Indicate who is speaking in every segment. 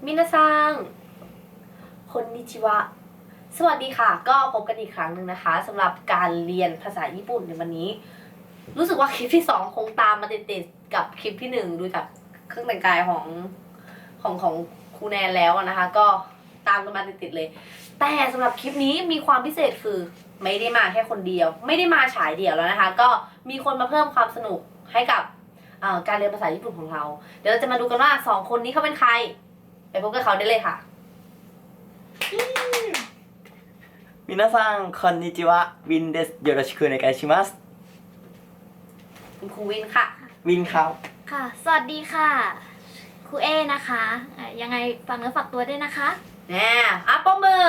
Speaker 1: มินาซังคนนิจิวะสวัสดีค่ะก็พบกันอีกครั้งหนึ่งนะคะสำหรับการเรียนภาษาญี่ปุ่นในวันนี้รู้สึกว่าคลิปที่2คงตามมาติดๆกับคลิปที่1ดูจากเครื่องแต่งกายของครูแนนแล้วนะคะ ก็ตามกันมาติดๆเลยแต่สำหรับคลิปนี้มีความพิเศษคือไม่ได้มาแค่คนเดียวไม่ได้มาฉายเดี่ยวแล้วนะคะก็มีคนมาเพิ่มความสนุกให้กับการเรียนภาษาญี่ปุ่นของเราเดี๋ยวเราจะมาดูกันว่า2คนนี้เขาเป็นใครไปพบกับเขาได้เลยค่ะ
Speaker 2: 皆さんこんにちはวินですよろしくお願いします
Speaker 1: คุณครูวินค่ะ
Speaker 2: วินครับ
Speaker 3: ค่ะสวัสดีค่ะครูเอนะคะยังไงฝากเนื้อฝากตัวด้วยนะคะ
Speaker 1: แน่ปมมือ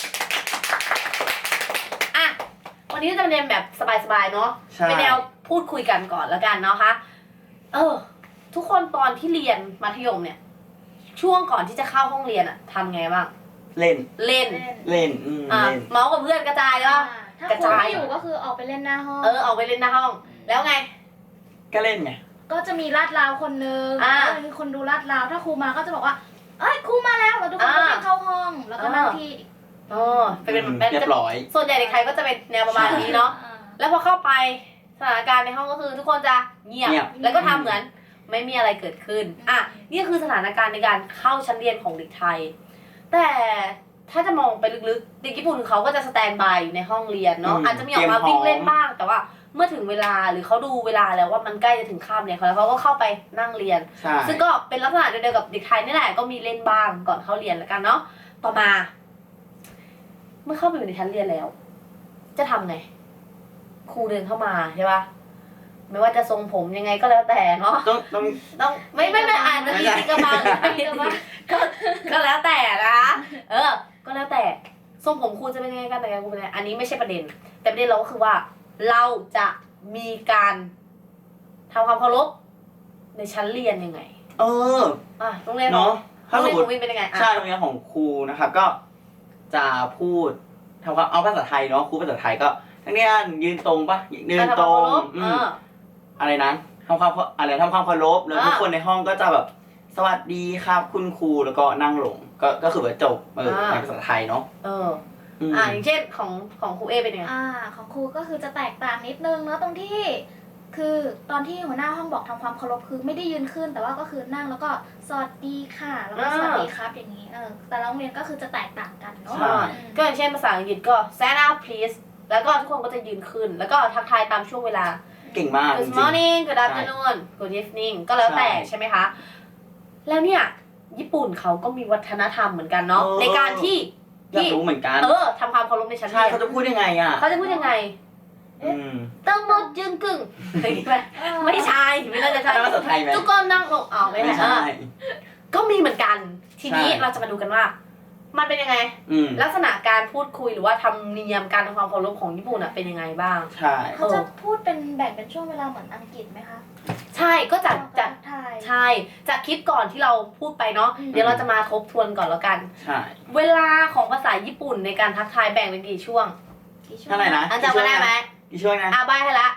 Speaker 1: วันนี้จะเรียนแบบสบายๆเนาะเป็นแนวพูดคุยกันก่อนแล้วกันเนาะคะทุกคนตอนที่เรียนมัธยมเนี่ยช่วงก่อนที่จะเข้าห้องเรียนทำไงบ้าง
Speaker 2: เล่น
Speaker 1: เล่น
Speaker 2: เล่น
Speaker 1: เมาส์กับเพื่อนกระจายก็
Speaker 3: ถ้าครูไม่อยู่ก็คือออกไปเล่นหน้าห้อง
Speaker 1: ออกไปเล่นหน้าห้องแล้วไง
Speaker 2: ก็เล่นไง
Speaker 3: ก็จะมีลาดราวคนนึงแล้วมีคนดูลาดราวถ้าครูมาก็จะบอกว่าเอ้ยครูมาแล้วเราทุกคนก็ไปเข้าห้องแล้วก็นั่งที่
Speaker 1: เป็น
Speaker 2: เรียบร้อย
Speaker 1: ส่วนใหญ่เด็กไทยก็จะเป็นแนวประมาณนี้เนาะแล้วพอเข้าไปสถานการณ์ในห้องก็คือทุกคนจะเงียบแล้วก็ทำเหมือนไม่มีอะไรเกิดขึ้นนี่คือสถานการณ์ในการเข้าชั้นเรียนของเด็กไทยแต่ถ้าจะมองไปลึกๆเด็กญี่ปุ่นเขาก็จะสแตนบายอยู่ในห้องเรียนเนาะอาจจะมีออกมาวิ่งเล่นบ้างแต่ว่าเมื่อถึงเวลาหรือเขาดูเวลาแล้วว่ามันใกล้จะถึงคาบเนี่ยเขาก็เข้าไปนั่งเรียนซึ่งก็เป็นลักษณะเดียวกับเด็กไทยนี่แหละก็มีเล่นบ้างก่อนเข้าเรียนแล้วกันเนาะต่อมาเมื่อเข้าไปอยู่ในชั้นเรียนแล้วจะทำไงครูเดินเข้ามาใช่ปะไม่ว่าจะทรงผมยังไงก็แล้วแต่เนาะต้องไม่อ่านจะมีกระมังก็แล้วแต่นะก็แล้วแต่ทรงผมครูจะเป็นยังไงกันแต่งครูเป็นยังไงอันนี้ไม่ใช่ประเด็นแต่ประเด็นเราก็คือว่าเราจะมีการทำความเคารพในชั้นเรียนยังไงโรงเรียน
Speaker 2: เนาะ
Speaker 1: โรงเรียนของวินเป็นยังไง
Speaker 2: ใช่โรงเรียนของครูนะครับก็จะพูดทำความเอาภาษาไทยเนาะครูภาษาไทยก็ทั้งนี้ยืนตรงปะยืนตรงอะไรนั้นทำความเคารพแล้วทุกคนในห้องก็จะแบบสวัสดีครับคุณครูแล้วก็นั่งลงก็คือว่าจบในภาษาไทยเนาะ
Speaker 1: อย่างเช่นของครูเอเป็นยังไง
Speaker 3: ของครูก็คือจะแตกต่างนิดนึงเนาะตรงที่คือตอนที่หัวหน้าห้องบอกทำความเคารพคือไม่ได้ยืนขึ้นแต่ว่าก็คือนั่งแล้วก็สวัสดีค่ะแล้วก็สวัสดีครับอย่างนี้แต่ละโรงเรียนก็คือจะแตกต่างกันเนาะ
Speaker 1: ก็อย่างเช่นภาษาอังกฤษก็ stand up please แล้วก็ทุกคนก็จะยืนขึ้นแล้วก็ทักทายตามช่วงเวลา
Speaker 2: เก่งมาก
Speaker 1: Good morning Good afternoon Good evening ก็แล้วแต่ใช่ไหมคะแล้วเนี่ยญี่ปุ่นเขาก็มีวัฒนธรรมเหมือนกันเนาะในการที่
Speaker 2: อยากรู้เหมือนกัน
Speaker 1: ทำความเคารพในชั้นเรียน
Speaker 2: เขาจะพูดยังไง
Speaker 1: เขาจะพูดยังไงต้องมดยืนกึ่งไม่ใช่ไม่น่าจะใช่
Speaker 2: ภาษาไทยไหม
Speaker 1: ทุกคนนั่งลงไม่ใช่ก็มีเหมือนกันทีนี้เราจะมาดูกันว่ามันเป็นยังไงลักษณะการพูดคุยหรือว่าธรรมเนียมการทำความเคารพของญี่ปุ่นเป็นยังไงบ้าง
Speaker 2: ใช่
Speaker 3: เขาจะพูดเป็นแบ่งเป็นช่วงเวลาเหมือนอังกฤษไหมคะ
Speaker 1: ใช่ก็จากใช่จากคลิปก่อนที่เราพูดไปเนาะเดี๋ยวเราจะมาทบทวนก่อนแล้วกัน
Speaker 2: ใช่
Speaker 1: เวลาของภาษาญี่ปุ่นในการทักทายแบ่งเป็นกี่ช่วง
Speaker 2: เท่าไหร่นะ
Speaker 1: จำได้ไหม
Speaker 2: กี่ช่วงนะ
Speaker 1: ใบให้ละ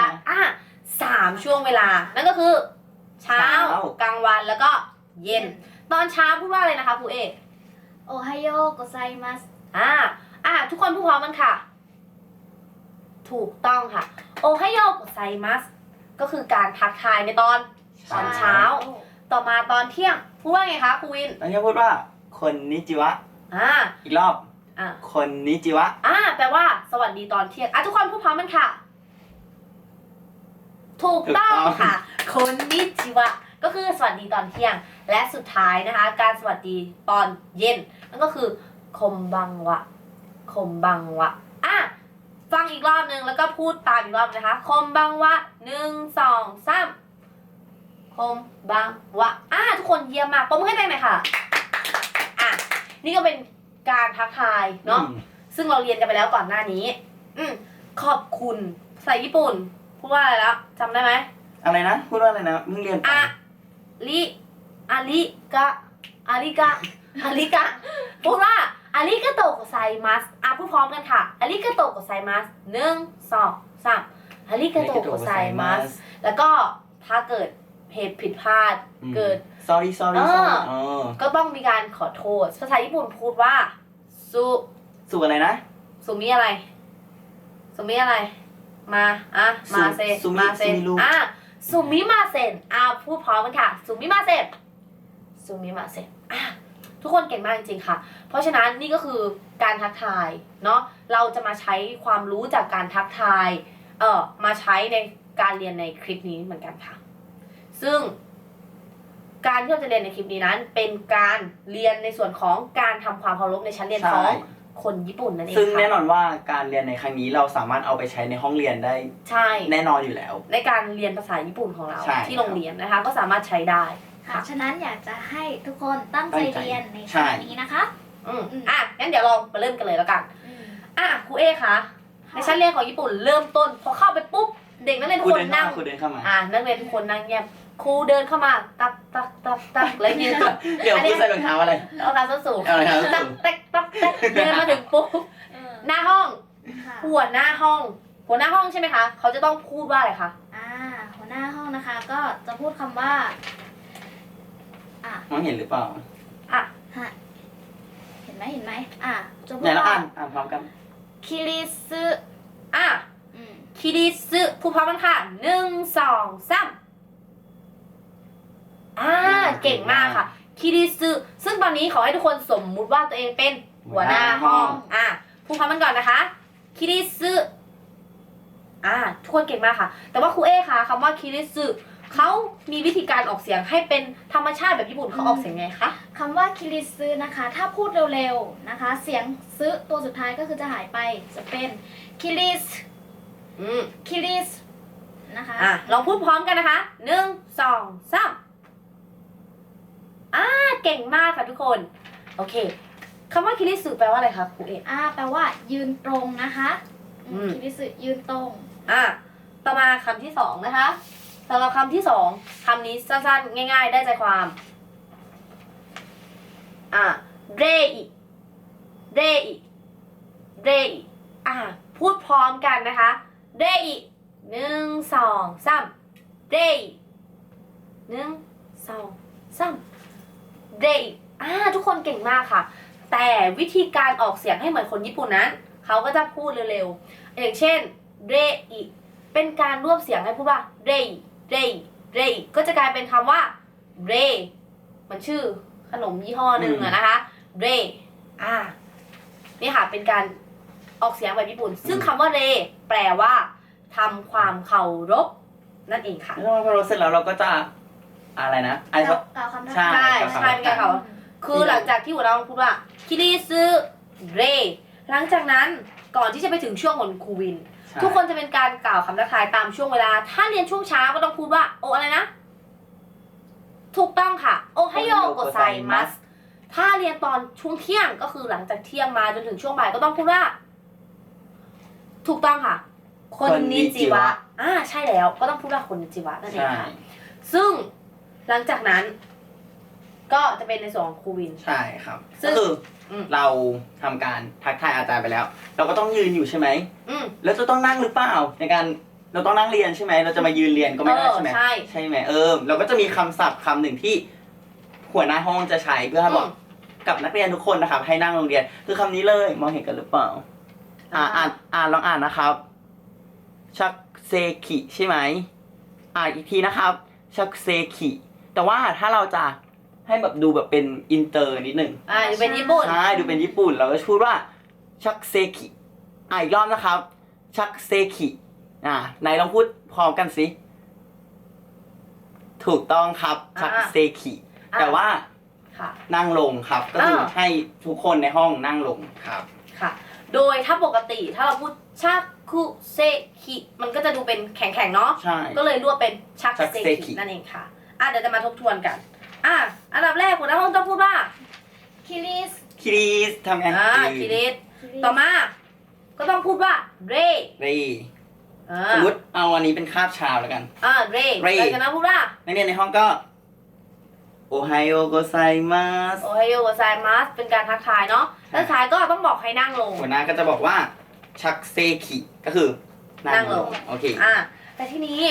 Speaker 1: 3ช่วงเวลานั่นก็คือเช้ากลางวันแล้วก็เย็นตอนเช้าพูดว่าอะไรนะคะครูเอ
Speaker 3: โอไฮโอโกไซมัส
Speaker 1: ทุกคนพูดพร้อมกันค่ะถูกต้องค่ะโอไฮโอโกไซมัสก็คือการทักทายในตอนเช้าต่อมาตอนเที่ยงพูดว่าไงคะครูวิน
Speaker 2: ตอนเที่ยงพูดว่าคนนิจิวะอีกรอบคนนิจิวะ
Speaker 1: แปลว่าสวัสดีตอนเที่ยงทุกคนพูดพร้อมกันค่ะถูกต้องค่ะคนนิจิวะก็คือสวัสดีตอนเที่ยงและสุดท้ายนะคะการสวัสดีตอนเย็นนั่นก็คือคมบังวะฟังอีกรอบนึงแล้วก็พูดตามอีกรอบนะคะคมบังวะ1 2 3คมบังวะทุกคนเยี่ยมมากปรบมือให้ตัวเองหน่อยค่ะนี่ก็เป็นการทักทายเนาะซึ่งเราเรียนกันไปแล้วก่อนหน้านี้ขอบคุณภาษาญี่ปุ่นพูดว่าอะไรแล้วจำได้ไหม
Speaker 2: อะไรนะพูดว่าอะไรนะเพิ่งเรียนไป
Speaker 1: อาริกะพูดว่าอาริกาโตะโกไซมัสพูดพร้อมกันค่ะอาริกาโตะโกไซมัส1 2 3อาริกาโตะโกไซมัสแล้วก็ถ้าเกิดเหตุผิดพลาดเกิด
Speaker 2: sorry
Speaker 1: ก็ต้องมีการขอโทษภาษาญี่ปุ่นพูดว่าสุ
Speaker 2: สู่อะไรนะ
Speaker 1: สุมิอะไรสุมิอะไรมามาเซ
Speaker 2: สุมิ
Speaker 1: มาเซ
Speaker 2: สุมิลูก
Speaker 1: สุมิมาเซนพูดพร้อมกันค่ะสุมิมาเซนสุมิมาเซนทุกคนเก่งมากจริงๆค่ะ เพราะฉะนั้นนี่ก็คือการทักทายเนาะเราจะมาใช้ความรู้จากการทักทายมาใช้ในการเรียนในคลิปนี้เหมือนกันค่ะ ซึ่งการที่เราจะเรียนในคลิปนี้นั้นเป็นการเรียนในส่วนของการทำความเคารพในชั้นเรียนของคนญี่ปุ่นนั่นเองค่ะ
Speaker 2: ซึ่งแน่นอนว่าการเรียนในครั้งนี้เราสามารถเอาไปใช้ในห้องเรียนได้
Speaker 1: ใช่
Speaker 2: แน่นอนอยู่แล้ว
Speaker 1: ในการเรียนภาษาญี่ปุ่นของเรา
Speaker 2: ใช่
Speaker 1: ที่โรงเรียนนะคะ ก็สามารถใช้ได้
Speaker 3: ค่ะฉะนั้นอยากจะให้ทุกคนตั้งใจเรียนในครั้งนี้นะคะ
Speaker 1: งั้นเดี๋ยวเรามาเริ่มกันเลยแล้วกันครูเอคะในชั้นเรียนของญี่ปุ่นเริ่มต้นพอเข้าไปปุ๊บเด็กนักเรียนทุกคนนั่ง
Speaker 2: ครูเดินเข้ามา
Speaker 1: นักเรียนทุกคนนั่งเงียบครูเดินเข้ามาตักแล้วยืน
Speaker 2: เดี๋ยวครูใส่รองเท้าอะไร
Speaker 1: เอาการส้นสูง
Speaker 2: เอาอะไรครับ
Speaker 1: ตักเดินมาถึงปุ๊บหน้าห้อง
Speaker 3: ค่ะ
Speaker 1: หัวหน้าห้องใช่ไหมคะเขาจะต้องพูดว่าอะไรคะ
Speaker 3: หัวหน้าห้องนะคะก็จะพูดคำว่า
Speaker 2: มองเห็นหรือเปล่า
Speaker 3: เห็นไหมจะพู
Speaker 2: ไหน
Speaker 3: ด
Speaker 2: เรา
Speaker 3: ว่า
Speaker 2: อ่านพร้อมกัน
Speaker 3: คิริซึ
Speaker 1: คิริซึพูดพร้อมกันค่ะ1 2 3เก่งมากค่ะคิริซึซึ่งตอนนี้ขอให้ทุกคนสมมุติว่าตัวเองเป็นหัวหน้าห้องพูดพร้อมกันก่อนนะคะคิริซึทุกคนเก่งมากค่ะ แต่ว่าครูเอคะคำว่าคิริซึเขามีวิธีการออกเสียงให้เป็นธรรมชาติแบบญี่ปุ่นเขาออกเสียงไงคะ
Speaker 3: คำว่าคิริซึนะคะ ถ้าพูดเร็วๆนะคะ เสียงซึตัวสุดท้ายก็คือจะหายไปจะเป็นคิริสคิริสนะคะ
Speaker 1: ลองพูดพร้อมกันนะคะ1 2 3เก่งมากค่ะทุกคนโอเคคำว่าคิริสึแปลว่าอะไรคะครูเอก
Speaker 3: แปลว่ายืนตรงนะคะคิริสึยืนตรง
Speaker 1: ต่อมาคำที่สองนะคะสำหรับคำที่สองคำนี้สั้นๆง่ายๆได้ใจความเรอิพูดพร้อมกันนะคะเรอิ1 2 3เรอิ1 2 3เรอิทุกคนเก่งมากค่ะแต่วิธีการออกเสียงให้เหมือนคนญี่ปุ่นนั้นเขาก็จะพูดเร็วๆอย่างเช่นเรอิเป็นการรวบเสียงให้พูดว่าเรอิก็จะกลายเป็นคำว่าเรมันชื่อขนมยี่ห้อหนึ่งนะคะเรนี่ค่ะเป็นการออกเสียงแบบญี่ปุ่นซึ่งคำว่าเรแปลว่าทำความเคารพนั่นเองค่ะ
Speaker 2: แล้วพอเราเสร็จแล้วเราก็จะอะไรนะ
Speaker 3: กล่าวคำทักทาย
Speaker 1: ใช่เป็นการเขาคือหลังจากที่หัวเราพูดว่าคิริซึเรหลังจากนั้นก่อนที่จะไปถึงช่วงของครูวินทุกคนจะเป็นการกล่าวคำทักทายตามช่วงเวลาถ้าเรียนช่วงเช้าก็ต้องพูดว่าโออะไรนะถูกต้องค่ะโอไฮโยโกไซมัสถ้าเรียนตอนช่วงเที่ยงก็คือหลังจากเที่ยงมาจนถึงช่วงบ่ายก็ต้องพูดว่าถูกต้องค่ะคนนิจิวะใช่แล้วก็ต้องพูดว่าคนนิจิวะนั่นเองค่ะซึ่งหลังจากนั้นก็จะเป็นในส่วนของครูวิน
Speaker 2: ใช่ครับก็คือเราทำการทักทายอาจารย์ไปแล้ว เราก็ต้องยืนอยู่ใช่ไหมแล้วจะต้องนั่งหรือเปล่าในการเราต้องนั่งเรียนใช่ไหมเราจะมายืนเรียนก็ไม่ได้ใช่ไหมใช่ไหมเราก็จะมีคำศัพท์คำหนึ่งที่หัวหน้าห้องจะใช้เพื่อให้บอกกับนักเรียนทุกคนนะครับให้นั่งโรงเรียนคือคำนี้เลยมองเห็นกันหรือเปล่าลองอ่านนะครับชักเซคิใช่ไหมอีกทีนะครับชักเซคิแต่ว่าถ้าเราจะให้แบบดูแบบเป็นอินเตอร์นิดหนึ่ง
Speaker 1: ดูเป็นญี่ปุ่น
Speaker 2: ใช่ดูเป็นญี่ปุ่นเราก็พูดว่าชักเซคิอีกรอบนะครับชักเซคิไหนลองพูดพร้อมกันสิถูกต้องครับชักเซคิแต่ว่านั่งลงครับก็คือให้ทุกคนในห้องนั่งลงครับ
Speaker 1: ค่ะโดยถ้าปกติถ้าเราพูดชักคุเซคิมันก็จะดูเป็นแข็งๆเนาะก็เลยรวบเป็นชักเซคินั่นเองค่ะเดี๋ยวจะมาทบทวนกันอันดับแรกหัวหน้าห้องต้องพูดว่า
Speaker 3: คิริส
Speaker 2: ทำไง
Speaker 1: คิริสต่อมาก็ต้องพูดว่าเร
Speaker 2: สมมติเอาอันนี้เป็นคาบเช้าแล้วกัน
Speaker 1: เรแล้วจากนั้นพูดว่า
Speaker 2: นักเรียนในห้องก็โอไฮโอโกไซมัส
Speaker 1: เป็นการทักทายเนาะแล้วท้ายก็ต้องบอกให้นั่งลง
Speaker 2: หัวหน้าก็จะบอกว่าชักเซคิก็คือนั่งลงโอเค
Speaker 1: แต่ทีนี้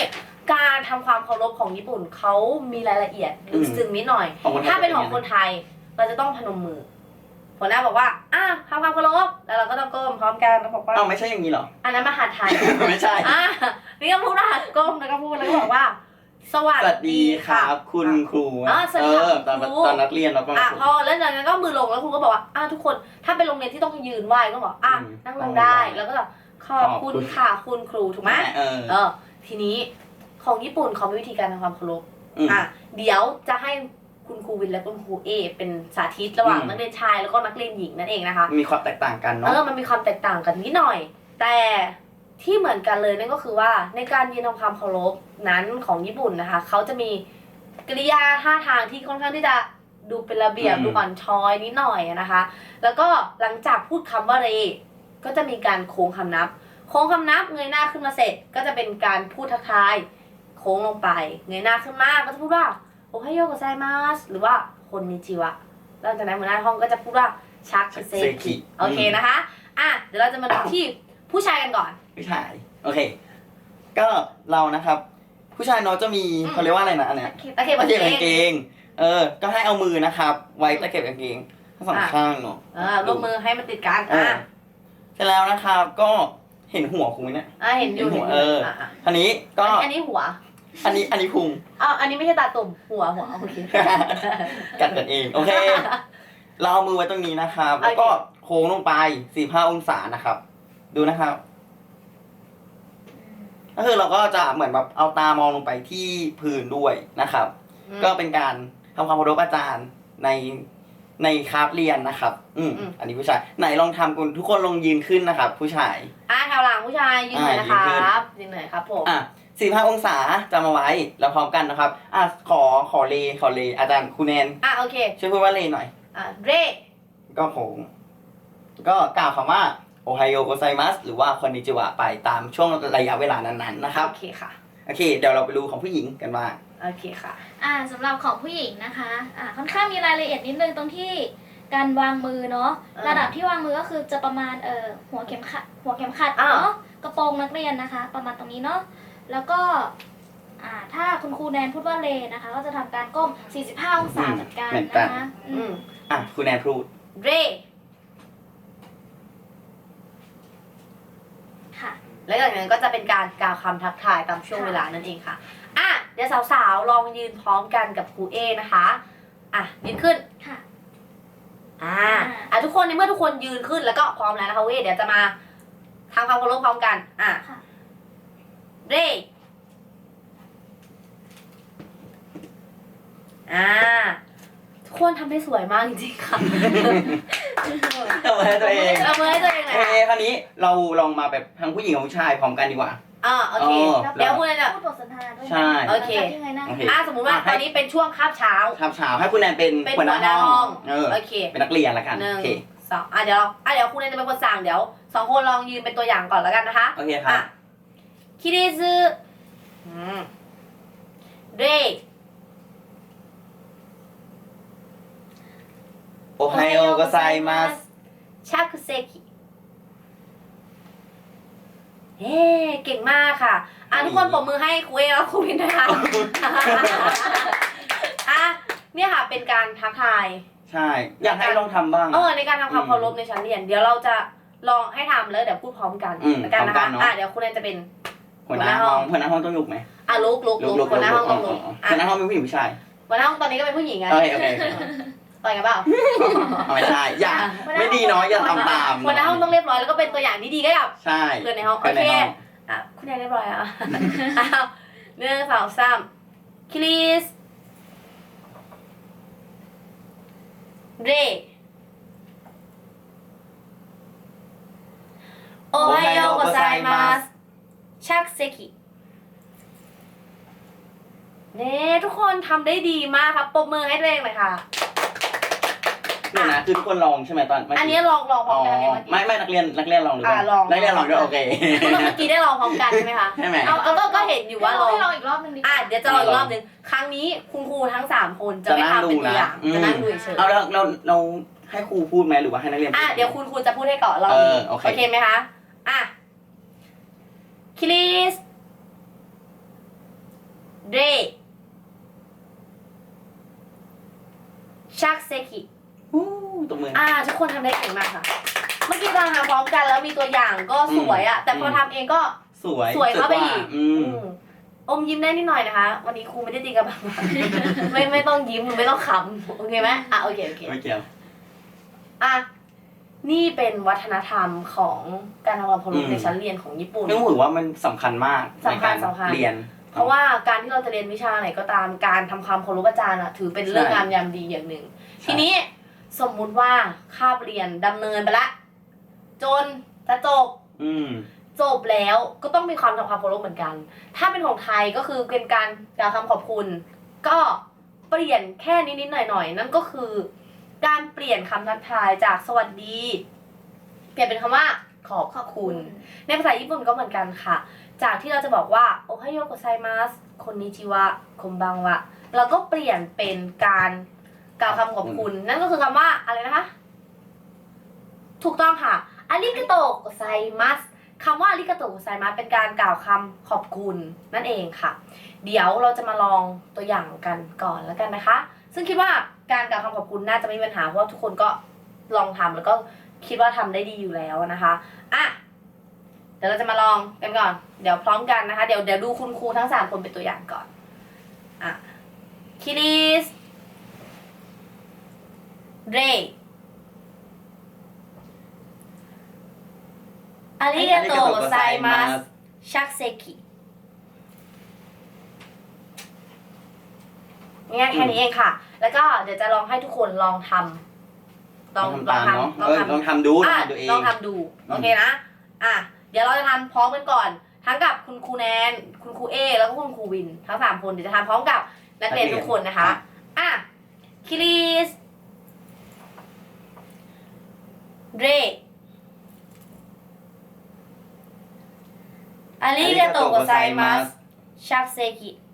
Speaker 1: การทำความเคารพของญี่ปุ่นเขามีรายละเอียดลึกซึ้งนิดหน่อย
Speaker 2: ของคนไทย
Speaker 1: ถ้าเป็นของคนไทยเราจะต้องพนมมือหัวหน้าบอกว่าทำความเคารพแล้วเราก็ต้องก้มพร้อมกันแล้วบอกว่า
Speaker 2: อ้าวไม่ใช่อย่างนี้เหรอ
Speaker 1: อันนั้นมหาไทย
Speaker 2: ไม่ใช่
Speaker 1: นี่ก็พูดว่าก้มแล้วก็พูดแล้วก็บอกว่า สวั
Speaker 2: สวัสดีครับคุณครู
Speaker 1: สวัสดีครับ
Speaker 2: ตอน
Speaker 1: คุณครู
Speaker 2: ตอนนักเรียนเราก็
Speaker 1: พอแล้วจากนั้นก็มือลงแล้วครูก็บอกว่าทุกคนถ้าเป็นโรงเรียนที่ต้องยืนไหว้ก็บอกนั่งลงได้แล้วก็ขอบคุณค่ะคุณครูถูกไหมทีนี้ของญี่ปุ่นเขามีวิธีการทำความเคารพเดี๋ยวจะให้คุณครูวินและคุณครูเอเป็นสาธิตระหว่างนักเรียนชายแล้วก็นักเรียนหญิงนั่นเองนะคะ
Speaker 2: มีความแตกต่างกันเนาะ
Speaker 1: มันมีความแตกต่างกันนิดหน่อย แต่ที่เหมือนกันเลยนั่นก็คือว่าในการยืนทำความเคารพนั้นของญี่ปุ่นนะคะเขาจะมีกริยาท่าทางที่ค่อนข้างที่จะดูเป็นระเบียบดูอ่อนช้อยนิดหน่อยนะคะ แล้วก็หลังจากพูดคำว่าเรก็จะมีการโค้งคำนับโค้งคำนับเงยหน้าขึ้นมาเสร็จก็จะเป็นการพูดทักทายโค้งลงไปเงยหน้าขึ้นมาก็จะพูดว่าโอไฮโยโกไซมัสหรือว่าคนนิจิวะแล้วจากนั้นหัวหน้าห้องก็จะพูดว่าชักเซคิโอเคนะคะเดี๋ยวเราจะมาดูที่ผู้ชายกันก่อน
Speaker 2: ผู้ชายโอเคก็เรานะครับผู้ชายเนาะจะมีเขาเรียกว่าอะไรนะอันเนี้ย
Speaker 1: ตะเข็บกาง
Speaker 2: เกงก็ให้เอามือนะครับไว้ตะเข็บกางเกงทั้งสองข้างเนาะ
Speaker 1: รวมมือให้มันติดกัน
Speaker 2: เสร็จแล้วนะครับก็เห็นหัวคุณเนี่ย
Speaker 1: เห็นอยู่
Speaker 2: อันนี้ก็
Speaker 1: อันนี้หัว
Speaker 2: อันนี้พุง
Speaker 1: อันนี้ไม่ใช่ตาตุ่มหัวโอเค
Speaker 2: กัดกันเองโอเคเราเอามือไว้ตรงนี้นะครับแล้วก็โค้งลงไป45องศานะครับดูนะครับก็คือเราก็จะเหมือนแบบเอาตามองลงไปที่พื้นด้วยนะครับก็เป็นการทำความเคารพอาจารย์ในคาบเรียนนะครับอันนี้ผู้ชายไหนลองทำกันทุกคนลงยืนขึ้นนะครับผู้ชาย
Speaker 1: แถวหลังผู้ชายยืนหน่อยนะครับยืนหน่อยครับผม
Speaker 2: 45องศาจะมาไว้แล้วพร้อมกันนะครับขอเลอาจารย์ครูแนน
Speaker 1: โอเค
Speaker 2: ช่วยพูดว่าเลหน่อย
Speaker 1: เร
Speaker 2: ก็โค้งก็กล่าวคำว่าโอไฮโอโกไซมัสหรือว่าคอนนิจิวะไปตามช่วงระยะเวลานั้นๆนะครับ
Speaker 1: โอเคค่ะ
Speaker 2: โอเคเดี๋ยวเราไปดูของผู้หญิงกันบ้าง
Speaker 1: โอเคค่ะ
Speaker 3: สำหรับของผู้หญิงนะคะค่อนข้างมีรายละเอียดนิดนึงตรงที่การวางมือเนาะระดับที่วางมือก็คือจะประมาณหัวเข็มขัดเนาะกระโปรงนักเรียนนะคะประมาณตรงนี้เนาะแล้วก็ถ้าคุณครูแนนพูดว่าเลนะคะก็จะทำการก้ม45องศาเหมือนกันนะคะ
Speaker 2: ครูแนนพูด
Speaker 1: เรแล้วจากนั้นก็จะเป็นการกล่าวคำทักทายตามช่วงเวลานั่นเองค่ะเดี๋ยวสาวๆลองยืนพร้อมกันกับครูเอนะคะยืนขึ้น
Speaker 3: ค่ะ
Speaker 1: ทุกคนในเมื่อทุกคนยืนขึ้นแล้วก็พร้อมแล้วนะคะเดี๋ยวจะมาทำความเคารพพร้อมกันเรทุกคนทำได้สวยมากจริงๆค่ะ
Speaker 2: เอาไว้ตัวเอง
Speaker 1: เอาไว้ตัวเองเลย
Speaker 2: คราวนี้เราลองมาแบบทั้งผู้หญิงกับผู้ชายพร้อมกันดีกว่า
Speaker 1: โอเคเดี๋ยวคุณจะ
Speaker 3: พูดบทสนทนาด้วย
Speaker 2: ใช่
Speaker 1: โอเคสมมุติว่าตอนนี้เป็นช่วงคาบเช้า
Speaker 2: ให้คุณแนนเป็นหัวหน้าห้อง
Speaker 1: โอเค
Speaker 2: เป็นนักเรียนละกันโอเค
Speaker 1: 2เดี๋ยวคุณแนนจะเป็นคนสั่งเดี๋ยว2คนลองยืนเป็นตัวอย่างก่อนแล้วกันนะคะ
Speaker 2: โอเคครับ
Speaker 1: คิริซึเร
Speaker 2: โอไฮโอโกไซมัส
Speaker 1: ชักเซคิเก่งมากค่ะทุกคนปรบมือให้ครูเอแล้วครูวินนะคะเนี่ยค่ะเป็นการทักทาย
Speaker 2: ใช่อยากให้ลองทำบ้าง
Speaker 1: ในการทำความเคารพในชั้นเรียนเดี๋ยวเราจะลองให้ทำแล้วเดี๋ยวพูดพร้อมกันแล้วกันนะคะเดี๋ยวคุณแนนจะเป็น
Speaker 2: หัวหน้าห้องต้องลุกไหม
Speaker 1: ลุกหัวหน้าห้องต้องลุก
Speaker 2: หัวหน้าห้องเป็นผู้หญิงผู้ชาย
Speaker 1: หัวหน้าห้องตอนนี้ก็เป็นผู้หญิงไง
Speaker 2: โอเค
Speaker 1: ต่อยกันเปล่า
Speaker 2: ไม่ใช่อย่าไม่ดีเนาะอย่าทำตาม
Speaker 1: หัวหน้าห้องต้องเรียบร้อยแล้วก็เป็นตัวอย่างที่ดีกับ
Speaker 2: เพื่
Speaker 1: อนในห้องโอเคคุณแนนเรียบร้อย1 2 3คิริสเรโอไฮโอโกไซมัสชักเซคิทุกคนทำได้ดีมากครับปรบมือให้ตัวเองเลยค่ะ
Speaker 2: เนี่ยนะคือทุกคนลองใช่ไหมตอน
Speaker 1: อันนี้ลองพร้อมกัน
Speaker 2: ไม่นักเรียนลองหรือเปล่านักเรียนลองด้วยโอเค
Speaker 1: เมื่อกี้ได้ลองพร้อมกันใช่ไหมคะ
Speaker 2: ใช่ไหม
Speaker 1: ก็เห็นอยู่ว่า
Speaker 3: ลองอีกรอบนึงดี
Speaker 1: เดี๋ยวจะลองอีกรอบนึงครั้งนี้คุณครูทั้ง3คนจะไม่ทำเป็นตัวอย่างจะนั่งดูเฉย
Speaker 2: แล้วเราให้ครูพูดไหมหรือว่าให้นักเรียน
Speaker 1: เดี๋ยวคุณครูจะพูดให้ก่อนเราโอเคไหมคะคิริสเรชักเซกิ
Speaker 2: ตบมือ
Speaker 1: ทุกคนทำได้เก่งมากค่ะ เมื่อกี้เราทำพร้อมกันแล้วมีตัวอย่างก็สวยอะแต่พอทำเองก็
Speaker 2: สวย
Speaker 1: เข้าไปอีก
Speaker 2: ม
Speaker 1: อมยิ้มได้นิดหน่อยนะคะ วันนี้ครูไม่ได้ตีกับบัง ไม่ต้องยิ้มไม่ต้องขำโอเคไหมโอเค
Speaker 2: ไม่เกี่ยว
Speaker 1: นี่เป็นวัฒนธรรมของการทำความเคารพในชั้นเรียนของญี่ปุ่น
Speaker 2: นึกถือว่ามันสำคัญมาก
Speaker 1: สำคัญ
Speaker 2: ในการเรียน
Speaker 1: เพราะว่าการที่เราจะเรียนวิชาไหนก็ตามการทำความเคารพอาจารย์ถือเป็นเรื่องงามยามดีอย่างหนึ่ง ทีนี้สมมุติว่าคาบเรียนดำเนินไปละจนจะจบแล้วก็ต้องมีความทำความเคารพเหมือนกัน ถ้าเป็นของไทยก็คือเป็นการกล่าวคำขอบคุณ ก็เปลี่ยนแค่นิดๆหน่อยๆนั่นก็คือการเปลี่ยนคำทักทายจากสวัสดีเปลี่ยนเป็นคำว่าขอบคุณ ในภาษาญี่ปุ่นก็เหมือนกันค่ะ จากที่เราจะบอกว่าโอไฮโยโกไซมัสคอนนิจิวะคอมบังวะเราก็เปลี่ยนเป็นการกล่าวคำขอบคุณ นั่นก็คือคำว่าอะไรนะคะ ถูกต้องค่ะอาริกาโตโกไซมัสคำว่าอาริกาโตโกไซมัสเป็นการกล่าวคำขอบคุณนั่นเองค่ะ เดี๋ยวเราจะมาลองตัวอย่างกันก่อนแล้วกันนะคะ ซึ่งคิดว่าการกล่าวคำขอบคุณน่าจะไม่มีปัญหาเพราะว่าทุกคนก็ลองทำแล้วก็คิดว่าทำได้ดีอยู่แล้วนะคะเดี๋ยวเราจะมาลองกันก่อนเดี๋ยวพร้อมกันนะคะเดี๋ยวดูคุณครูทั้ง3คนเป็นตัวอย่างก่อนคิริสเรอาริกาโตโกไซมัสชักเซกิง่ายแค่นี้เองค่ะ แล้วก็เดี๋ยวจะลองให้ทุกคนลองทำลอง
Speaker 2: ทำดูตัวเอง
Speaker 1: ลองทำดูโอเคนะเดี๋ยวเราจะทำพร้อมกันก่อนทั้งกับคุณครูแนนคุณครูเอแล้วก็คุณครูวินทั้ง3คนเดี๋ยวจะทำพร้อมกับนักเรียนทุกคนนะคะคิริสเรありがとうございます。ชักเซกิ